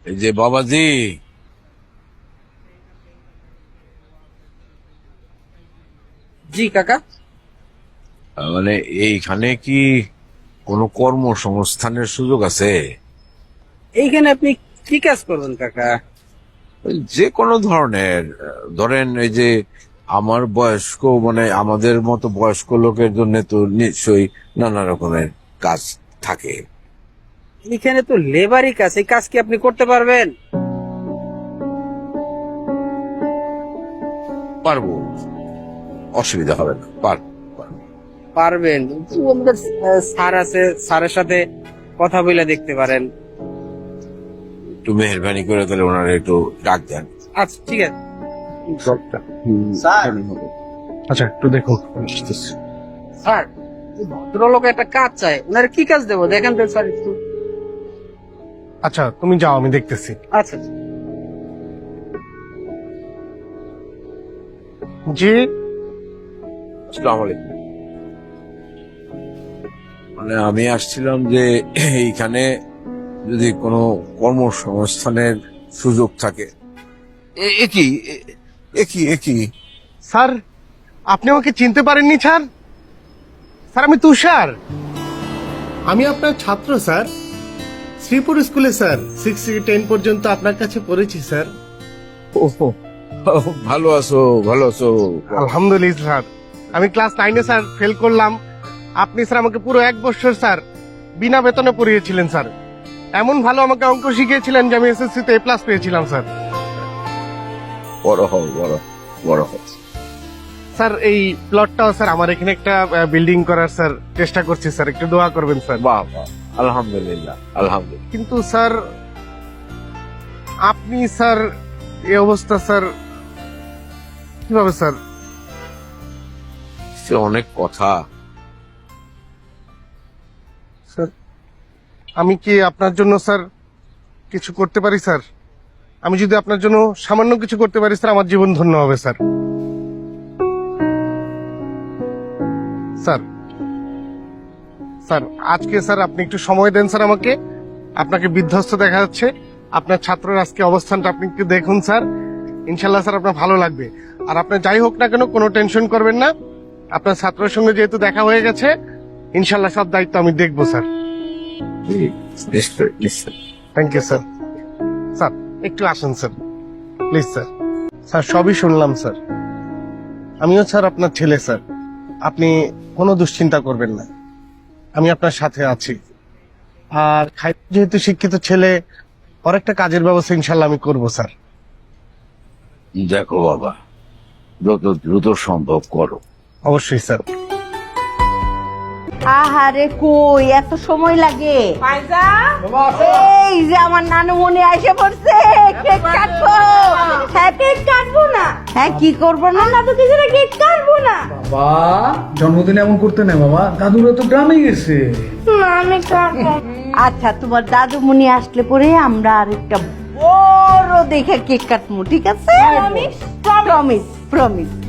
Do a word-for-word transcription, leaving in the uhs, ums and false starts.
এই যে বাবাজি, জি কাকা। মানে এইখানে কি কোনো কর্মসংস্থানের সুযোগ আছে? এইখানে আপনি কি কাজ করবেন কাকা? ওই যে কোনো ধরনের, ধরেন এই যে আমার বয়স্ক মানে আমাদের মতো বয়স্ক লোকের জন্য তো নিশ্চয়ই নানা রকমের কাজ থাকে। এখানে তো লেবারই কাজ, এই কাজ কি আপনি করতে পারবেন? পারবো, অসুবিধা হবে না, পারবো পারবো। পারবেন, কিন্তু আমাদের আহ, স্যার আছে, স্যারের সাথে কথা বলে দেখতে পারেন। একটু মেহরবানি করে তাহলে ওনারা একটু ডাক দেন। আচ্ছা ঠিক আছে। স্যার আচ্ছা একটু দেখুন। স্যার, এই ভদ্রলোক একটা কাজ চাই, ওনার কি কাজ দেবো দেখেন তো স্যার একটু। আচ্ছা তুমি যাও, আমি দেখতেছি। আচ্ছা জি আসসালামু আলাইকুম। মানে আমি আসছিলাম যে এইখানে যদি কোনো কর্মসংস্থানের সুযোগ থাকে। এ- এ কি এ- এ কি এ কি স্যার, আপনি আমাকে চিনতে পারেননি স্যার? স্যার আমি তুষার, আমি আপনার ছাত্র স্যার। শ্রীপুর স্কুলে স্যার সিক্স থেকে টেন পর্যন্ত আপনার কাছে পড়েছি স্যার। ওহো, ভালো আছো ভালো আছো। আলহামদুলিল্লাহ স্যার। আমি ক্লাস নাইনে স্যার ফেল করলাম, আপনি স্যার আমাকে পুরো এক বছর স্যার বিনা বেতনে পড়িয়েছিলেন স্যার। এমন ভালো আমাকে অঙ্ক শিখিয়েছিলেন যে আমি এসএসসি তে এ প্লাস পেয়েছিলাম স্যার। বড় হও বড় বড় হও। স্যার এই প্লটটাও স্যার আমার এখানে একটা বিল্ডিং করার স্যার চেষ্টা করছি স্যার, একটু দোয়া করবেন স্যার। বাহ বাহ, আলহামদুলিল্লাহ আলহামদুলিল্লাহ। কিন্তু স্যার আপনি স্যার এই অবস্থা স্যার, কিভাবে স্যার? সে অনেক কথা। স্যার আমি কি আপনার জন্য স্যার কিছু করতে পারি স্যার? আমি যদি আপনার জন্য সামান্য কিছু করতে পারি স্যার, আমার জীবন ধন্য হবে স্যার। স্যার স্যার আজকে স্যার আপনি একটু সময় দেন স্যার আমাকে। আপনাকে বিধ্বস্ত দেখা যাচ্ছে, আপনার ছাত্রের আজকে অবস্থানটা আপনি একটু দেখুন স্যার। ইনশাল্লাহ স্যার আপনার ভালো লাগবে। আর আপনার যাই হোক না কেন কোনো টেনশন করবেন না, আপনার ছাত্রের সঙ্গে যেহেতু দেখা হয়ে গেছে, ইনশাল্লাহ সব দায়িত্ব আমি দেখবো স্যার। নিশ্চয় নিশ্চয়। Thank you sir. স্যার একটু আসুন স্যার, প্লিজ স্যার। স্যার সবই শুনলাম স্যার, আমিও স্যার আপনার ছেলে স্যার, আপনি কোনো দুশ্চিন্তা করবেন না, আমি আপনার সাথে আছি। আর খাই যেহেতু শিক্ষিত ছেলে, ওর একটা কাজের ব্যবস্থা ইনশাল্লাহ আমি করবো স্যার। দেখো বাবা, যত দ্রুত সম্ভব করো। অবশ্যই স্যার। আহারে কই এত সময় লাগে? ফাইজা, এই যে আমার নানু মনে এসে পড়ছে, কেক কাটবো। হ্যাঁ কেক কাটবো না, হ্যাঁ কি করবো না, না তো কিছু না, কেক কাটবো না। বাবা জন্মদিন এমন করতে নেই বাবা, দাদুরা তো গ্রামে গেছে। না আমি কাটবো। আচ্ছা তোমার দাদুমণি আসলে পরে আমরা আরেকটা বড় দেখে কেক কাটবো, ঠিক আছে? Promise promise promise.